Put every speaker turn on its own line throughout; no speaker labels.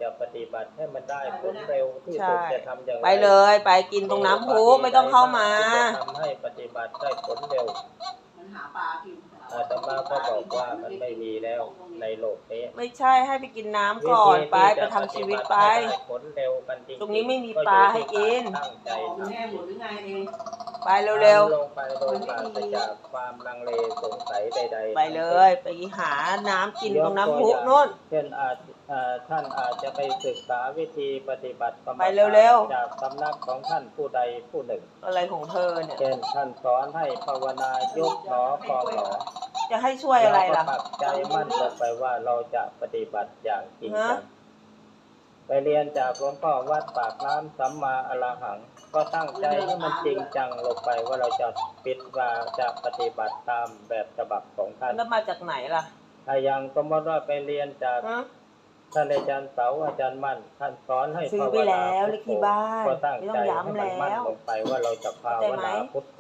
จะปฏิบัติให้มันได้ผลเร็วที่สุ
ใช่
ดจะทำอย่างไร
ไปเลยไปกินตรงน้ำพุไม่ต้องเข้ามา
จะทำให้ปฏิบัติได้ผลเร็ว
มันหาปลากิน
อาตมาก็บอกว่ามันไม่มีแล้วในโลกนี้
ไม่ใช่ให้ไปกินน้ำก่อนไปทำชีวิตไป
ผลเร็วกันจริงๆ
ตรงนี้ไม่มีปลาให้กิน
ตั้งใจ
ของแม่หมดหรือไงเอง
ไปเร็ว
ลงไปโดยปราศจากความลังเลสงสัยใดๆ
ๆไปเลยไปหาน้ำกินตรงน้ำพุนู่น
เช่นท่านอาจจะไปศึกษาวิธีปฏิบัติกรรม
ไปเร็วๆ
จากสำนักของท่านผู้ใดผู้หนึ่ง
อะไรของเธอเนี่ย
เช่นท่านสอนให้ภาวนายุบหนอพองหนอ
จะให้ช่วยอะไรล่ะ
เราก็ปักใจมั่นลงไปว่าเราจะปฏิบัติอย่างจริงจังไปเรียนจากหลวงพ่อวัดปากน้ำสัมมาอรหัง ก็ตั้งใจให้มันจริงจังลงไปว่าเราจะปิดว่าจะปฏิบัติตามแบบฉบับของท่าน
แล้วมาจากไหนล่ะ
ถ้ายังสมมติว่าไปเรียนจาก
ฮะ
ท่านอาจารย์เสาอาจารย์มั่นท่านสอนให้
ซื้อ
ภาว
ไป
นา
แล้วเลขที่บ้าน
ก็ตั้ง
ไม่ต้
ใจ
อง
ให้
ย้ำ
มันมั่น
แล้ว
ลงไปว่าเราจะภาว
เข้าใจไหม
นาพุทโธ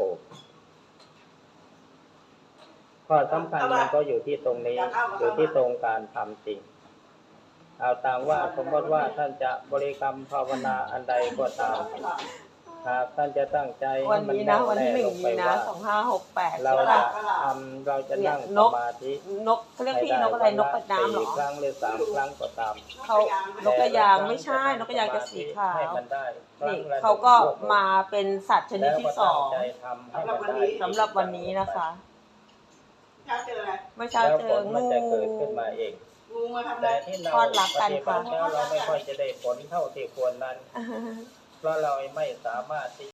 ข้อสำคัญมันก็อยู่ที่ตรงนี้ อยู่ที่ตรงการทำจริง เอาต่างว่าสมมติว่าท่านจะบริกรรมภาวนาอันใดก็ตามหากท่านจะตั้งใจ
วันนี้นะวันที่ 1 มีนา 2568
เรา
ใช่
จะ
ป่ะ
เราจะนั่ง
เนี่ย
ส
นก
มาธิ
นกเขาเรียกพี่นกอะไรนกกระน้ำเหรอ
4 ครั้งหรือ3 ครั้งก็ตาม
เขานกกระยางไม่ใช่นกกระยางจะสีขาว
ให้มันได้
นี่เขาก็มาเป็นสัตว์ชนิดที่ 2
สำหรับ
สำหรับวันนี้นะคะ
ถ้าเจออะไร
เมื่อเช้า
แล้ว
เจ
ผ
อ
ลมัน
งู
จะเกิดขึ้นมาเอง
งูมาทำอะไร
แต่ที่เรา
ทอดรักกัน
ปฏิบัติ
ค่ะ
แล้วเราไม่ค่อยจะได้ผลเท่าที่ควรนั้น เพราะเราไม่สามารถที่